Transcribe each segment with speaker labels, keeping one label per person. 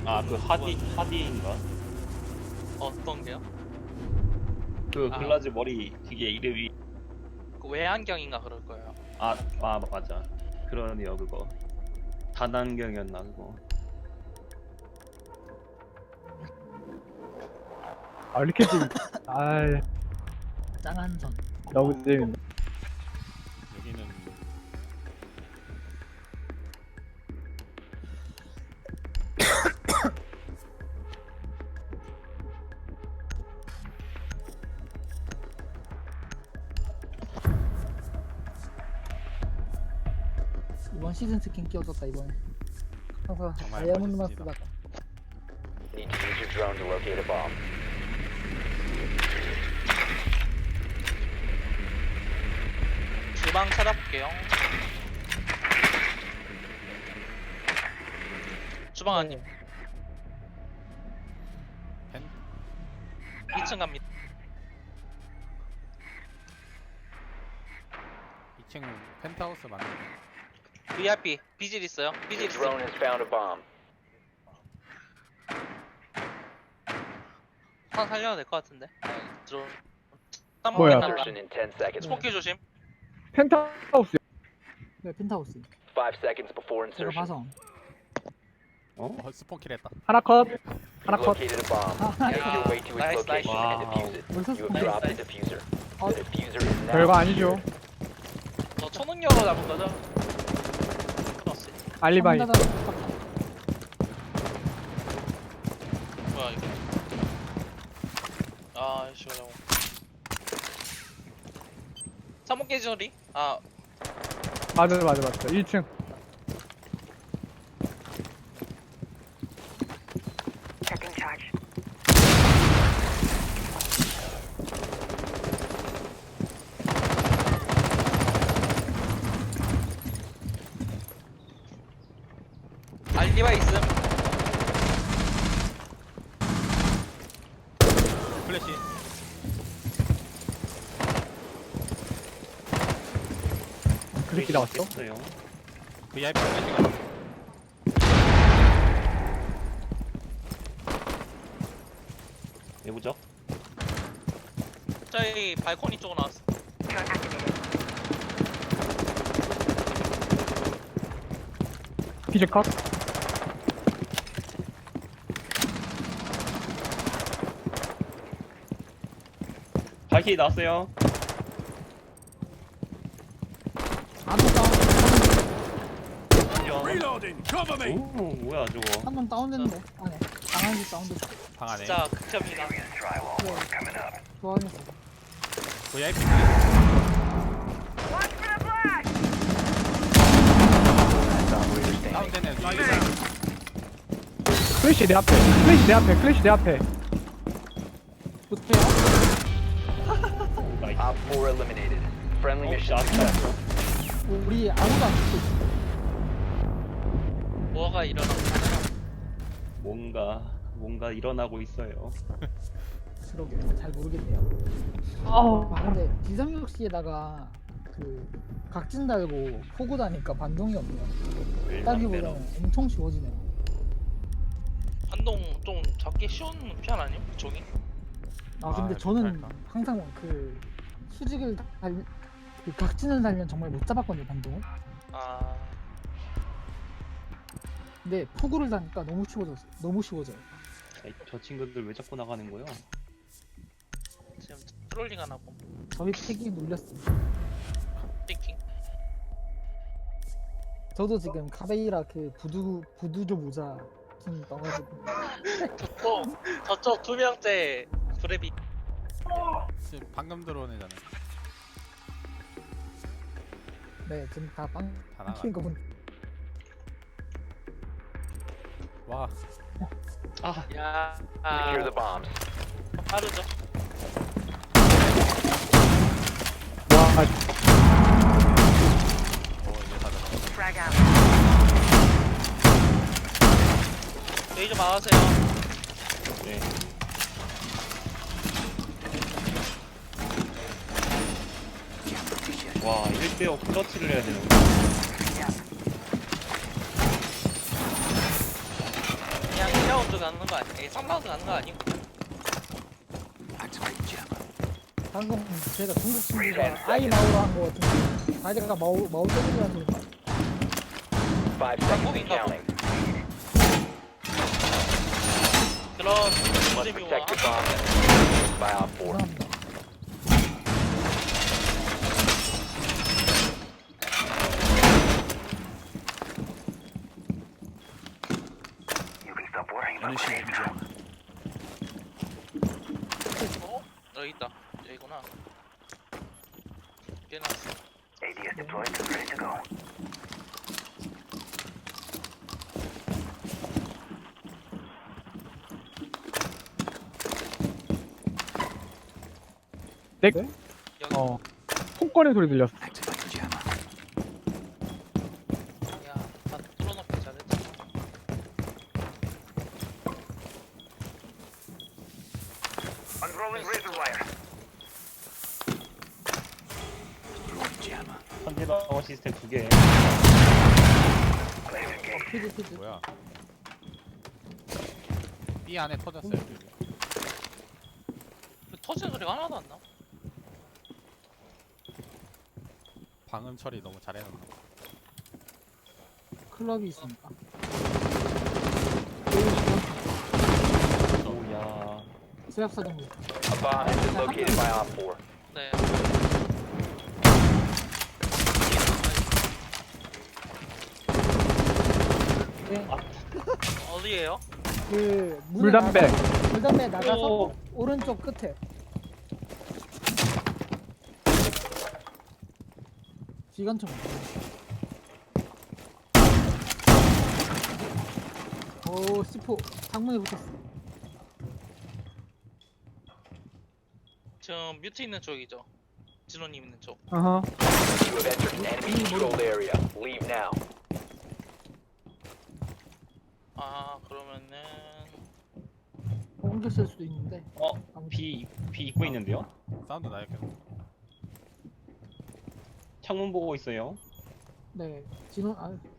Speaker 1: 아, 그 하디인가?
Speaker 2: 어떤 게요?
Speaker 1: 그 글라즈 머리 그게 이름이
Speaker 2: 그 외안경인가 그럴 거예요.
Speaker 1: 맞아. 그러네요 그거. 다단경이었나 그거.
Speaker 3: 아 이렇게 좀 아이
Speaker 4: 짱한선.
Speaker 3: 너무 재밌네.
Speaker 5: 여기는
Speaker 4: 이번 시즌 스킨 끼워줬다 이번에. 항상
Speaker 5: 정말
Speaker 4: 다이아몬드만
Speaker 5: 멋있습니다.
Speaker 4: 쓰다가.
Speaker 6: Need to use your drone to locate a bomb.
Speaker 2: 주방 찾아볼게요. 주방 아님.
Speaker 5: 펜
Speaker 2: 2층 갑니다.
Speaker 5: 2층 펜트하우스 맞는
Speaker 2: VIP 비질 있어요. 비질
Speaker 6: Your drone
Speaker 2: 있어요.
Speaker 6: has found a bomb.
Speaker 2: 하나 살려도 될 것 같은데. 들어.
Speaker 3: 뭐야?
Speaker 6: Insertion in 10 seconds.
Speaker 2: 스모키 조심.
Speaker 3: 펜트하우스.
Speaker 4: 네 펜트하우스.
Speaker 6: 5 seconds before
Speaker 4: 제가
Speaker 6: insertion.
Speaker 4: 봐서.
Speaker 5: 스폰킬 했다.
Speaker 3: 하나 컷. 하나
Speaker 6: You
Speaker 3: 컷.
Speaker 6: located a bomb.
Speaker 4: 아,
Speaker 6: Make your way to its
Speaker 2: nice,
Speaker 6: location
Speaker 1: nice.
Speaker 6: and defuse it.
Speaker 4: 벌써
Speaker 6: You have
Speaker 4: 스폰킬.
Speaker 6: dropped the diffuser.
Speaker 4: 어,
Speaker 6: The diffuser is now.
Speaker 3: 별거 아니죠.
Speaker 2: 저 초능력으로 잡은 거죠? 끊었어.
Speaker 3: 알리바이.
Speaker 2: 뭐야 이거? 아 시원하고. 사목 계절이? 아
Speaker 3: 맞아. 1층.
Speaker 7: Checking charge.
Speaker 2: 알리바 있음.
Speaker 5: 플래시
Speaker 3: 그렇게 나왔어?
Speaker 1: 어요
Speaker 5: VIP 플래시가
Speaker 1: 내부적?
Speaker 2: 저희 발코니 쪽으로 나왔어.
Speaker 7: Drone activated.
Speaker 3: 피즈 컷.
Speaker 1: 발키리 나왔어요.
Speaker 4: 한번 다운.
Speaker 1: 오 뭐야 저거.
Speaker 4: 한번 다운됐는데. 안에. 강한지 사운드.
Speaker 5: 방 안에
Speaker 2: 진짜 극혐이다.
Speaker 4: 네. 좋아하면서.
Speaker 5: VIP
Speaker 7: Watch for the flash!
Speaker 6: Operator standing.
Speaker 5: 다운되네.
Speaker 3: 클래시 내 앞에. 클래시 내 앞에.
Speaker 4: 못해요?
Speaker 6: Op 4 eliminated. Friendly mission
Speaker 1: 샷.
Speaker 6: successful.
Speaker 4: 우리 아무도 안 죽고 있어.
Speaker 2: 뭐가 일어나고
Speaker 1: 뭔가 일어나고 있어요.
Speaker 4: 그러게 잘 모르겠네요.
Speaker 3: 아우.
Speaker 4: 아 근데 지상역시에다가 그 각진 달고 포구 다니까 반동이 없네요. 따기보다는 엄청 쉬워지네요.
Speaker 2: 반동 좀 잡기 쉬운 편 아니에요? 그쪽이?
Speaker 4: 아 근데
Speaker 5: 아,
Speaker 4: 저는
Speaker 5: 그럴까?
Speaker 4: 항상 그 수직을 그 각진을 달면 정말 못 잡았거든요 반동을.
Speaker 2: 아
Speaker 4: 근데 포구를 다니까 너무 쉬워졌어요. 너무 쉬워져요.
Speaker 1: 아이, 저 친구들 왜 자꾸 나가는 거야?
Speaker 2: 지금 트롤링 하나 봄.
Speaker 4: 저희 팩이 눌렸어요.
Speaker 2: 띵킹.
Speaker 4: 저도 지금 카베이라 그 부두조 모자 좀 떠가지고
Speaker 2: 저쪽 두 명째 브레비.
Speaker 5: 지금 방금 들어온 애잖아.
Speaker 4: 네 지금 다빵
Speaker 5: 다 나가.
Speaker 4: 키는 거 본.
Speaker 5: 와
Speaker 1: 아
Speaker 2: 야
Speaker 6: Secure the bombs.
Speaker 2: 빠르죠.
Speaker 3: 와.
Speaker 5: 이제 다 들어.
Speaker 7: Frag out.
Speaker 2: 레이저 막으세요.
Speaker 1: 네. 와 1대5 클러치를 해야 되는 거야.
Speaker 2: 그냥 가는 거 아니야? 3라운드 가는 거 아니야?
Speaker 4: 방금 제가 중국 친구가 아이 마오로 한 거 같은데 아이가 마오 때리라는 소리가
Speaker 6: 5 seconds and counting.
Speaker 2: 그런
Speaker 6: Must
Speaker 2: 재미와
Speaker 6: protect your bomb and by Op 4.
Speaker 4: 죄송합니다.
Speaker 7: You can stop worrying about grenades.
Speaker 2: 여기 있다. 여기구나. 깨놨어.
Speaker 7: ADS deployed, ready to go.
Speaker 3: 내,
Speaker 4: 네?
Speaker 2: 여기.
Speaker 3: 폰 꺼낸 소리 들렸어.
Speaker 2: 야, 다 뚫어놓기 잘했지.
Speaker 7: Unrolling razor wire.
Speaker 1: 선제방어 시스템 2개.
Speaker 4: 피지
Speaker 5: 뭐야? B 안에 터졌어요. 여기.
Speaker 2: 터지는 소리가 하나도 안 나.
Speaker 5: 방음 처리 너무 잘해놨나?
Speaker 4: 클럽이 있으니까
Speaker 1: 오야.
Speaker 4: 제압사정도
Speaker 6: A bomb has been located by Op 4.
Speaker 2: 네.
Speaker 4: 네,
Speaker 2: 어디에요?
Speaker 4: 그
Speaker 3: 물담배.
Speaker 4: 물담배 나가서
Speaker 1: 오.
Speaker 4: 오른쪽 끝에 기관총 오 C4 창문에 붙었어.
Speaker 2: 지금 뮤트 있는 쪽이죠. 진호님 있는 쪽.
Speaker 3: 어허.
Speaker 6: You have entered an enemy controlled area. Leave now.
Speaker 2: 아 그러면은
Speaker 4: 옮겼을 수도 있는데 아무튼
Speaker 1: B 입고 있는데요?
Speaker 5: 사운드 나요 계속.
Speaker 1: 창문 보고 있어요.
Speaker 4: 네 진호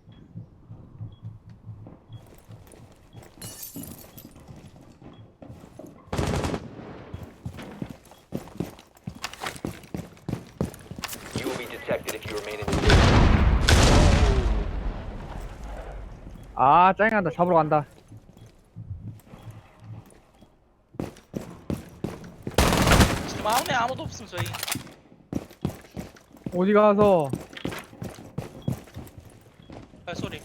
Speaker 6: You will be detected if you remain in the area.
Speaker 3: 아, 짜증난다. 잡으러 간다.
Speaker 2: 지금 아무네 아무도 없음 저희.
Speaker 3: 어디 가서
Speaker 2: 발소리.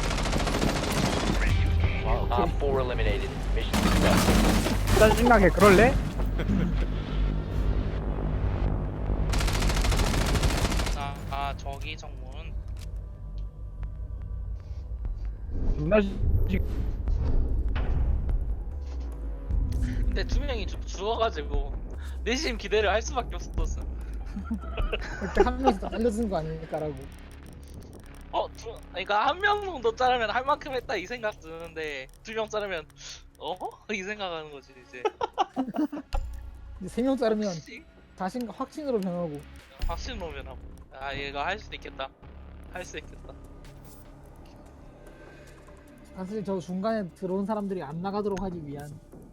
Speaker 6: Op 4 eliminated. Mission successful.
Speaker 3: 짜증나게 그럴래?
Speaker 2: 저기 정문.
Speaker 3: 존나
Speaker 2: 근데 두 명이 죽어가지고 내심 기대를 할 수밖에 없었어.
Speaker 4: 이렇게 한 명씩 더 알려주는 거 아닐까라고.
Speaker 2: 그러니까 한 명 정도 자르면 할 만큼 했다 이 생각 드는데 2명 자르면 이 생각하는 거지 이제.
Speaker 4: 이제 3명 자르면
Speaker 2: 혹시
Speaker 4: 확신으로 변하고.
Speaker 2: 확신 오면 하고. 아 얘가 할 수도 있겠다. 할 수 있겠다.
Speaker 4: 사실 저 중간에 들어온 사람들이 안 나가도록 하기 위한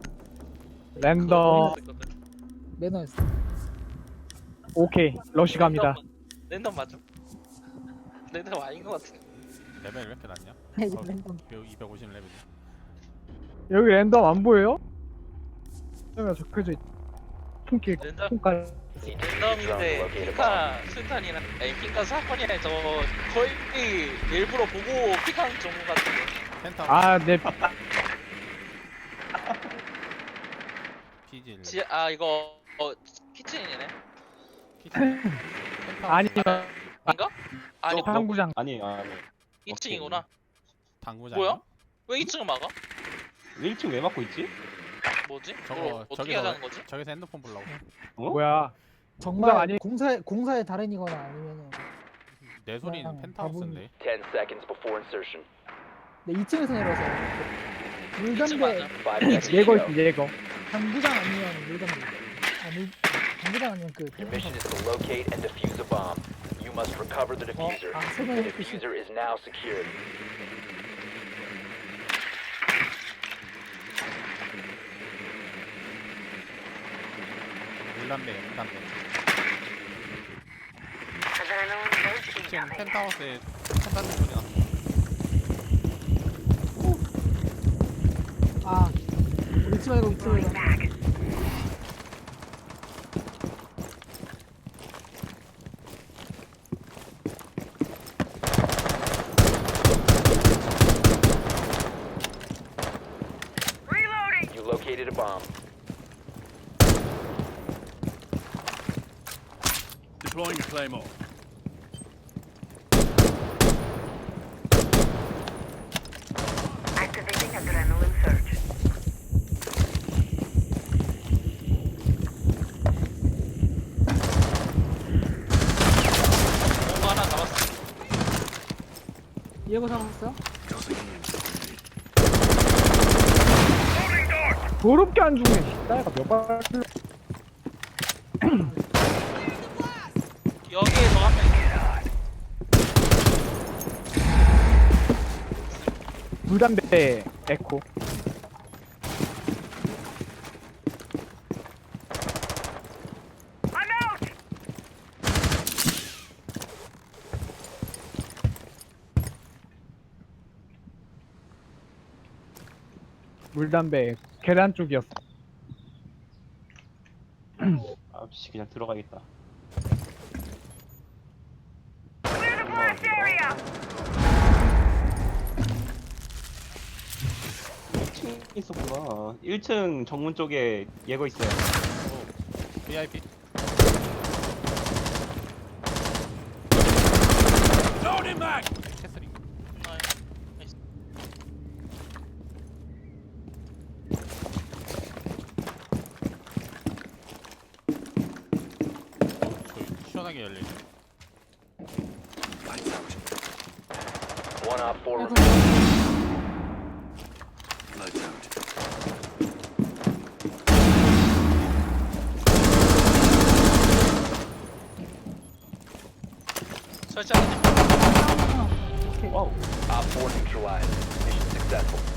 Speaker 3: 랜덤.
Speaker 4: 매너였어.
Speaker 3: 오케이. 러쉬 갑니다.
Speaker 2: 랜덤 맞죠? 랜덤 아닌 것 같아.
Speaker 5: 레벨 왜 이렇게 낮냐?
Speaker 4: 네, 랜덤.
Speaker 5: 250 레벨이.
Speaker 3: 여기 랜덤 안 보여요? 여기가 적혀져 있. 통길
Speaker 2: 랜덤
Speaker 3: 통까지.
Speaker 2: 랜덤인데 피카 수탄이랑 피카 사건이랑 저 거의 일부러 보고 픽하는 정보 같은데.
Speaker 5: 펜타.
Speaker 3: 아, 내
Speaker 5: PG.
Speaker 2: 이거 키친이네.
Speaker 5: 키친.
Speaker 3: 아니
Speaker 2: 아닌가? 아니
Speaker 3: 당구장.
Speaker 1: 아니에요.
Speaker 2: 2층이구나.
Speaker 5: 당구장.
Speaker 2: 뭐야? 왜 2층을 막아?
Speaker 1: 1층 왜 막고 있지?
Speaker 2: 뭐지?
Speaker 5: 저거
Speaker 2: 어떻게 하자는 거지?
Speaker 5: 저기서 핸드폰 보려고.
Speaker 3: 뭐야?
Speaker 4: 정말
Speaker 3: 아니-
Speaker 4: 공사의 달인이거나 아니면은
Speaker 5: 내 소리는
Speaker 4: 그냥
Speaker 5: 펜트하우스인데.
Speaker 6: 10 seconds before insertion.
Speaker 4: 네, 2층에서 내려서
Speaker 2: 2층
Speaker 4: 물담배
Speaker 2: 맞아.
Speaker 6: 5 seconds to
Speaker 3: 예거
Speaker 6: go.
Speaker 3: 있지 예거.
Speaker 4: 당구장 아니면 물담배. 당구장 아니면 그
Speaker 6: Your mission is to locate and defuse a bomb. You must recover the diffuser.
Speaker 4: 설명해
Speaker 6: The
Speaker 4: 주시.
Speaker 6: diffuser is now secured.
Speaker 5: 무담배. 지금 펜트하우스에 펜타는 소리 나.
Speaker 4: 아 위치 말고 위치 말고.
Speaker 6: You located a bomb.
Speaker 7: Deploying Claymore.
Speaker 8: Activating adrenaline surge.
Speaker 2: 뭔가 하나 잡았어.
Speaker 4: 예고 잡았어요?
Speaker 3: 더럽게 안 죽네. 따위가 몇발
Speaker 2: 여기에 너 한 명.
Speaker 3: 물담배 에코. 물담배 계단 쪽이었어.
Speaker 1: 아씨 그냥 들어가겠다. 있었구나. 1층 정문 쪽에 예거 있어요.
Speaker 5: VIP.
Speaker 7: Loading mag.
Speaker 5: 캐슬링. 저기 시원하게 열리네.
Speaker 6: One op 4
Speaker 4: 예고.
Speaker 7: Lights out.
Speaker 2: 설치하는
Speaker 4: 오케이.
Speaker 1: 와우.
Speaker 6: Op 4 neutralized. Mission successful.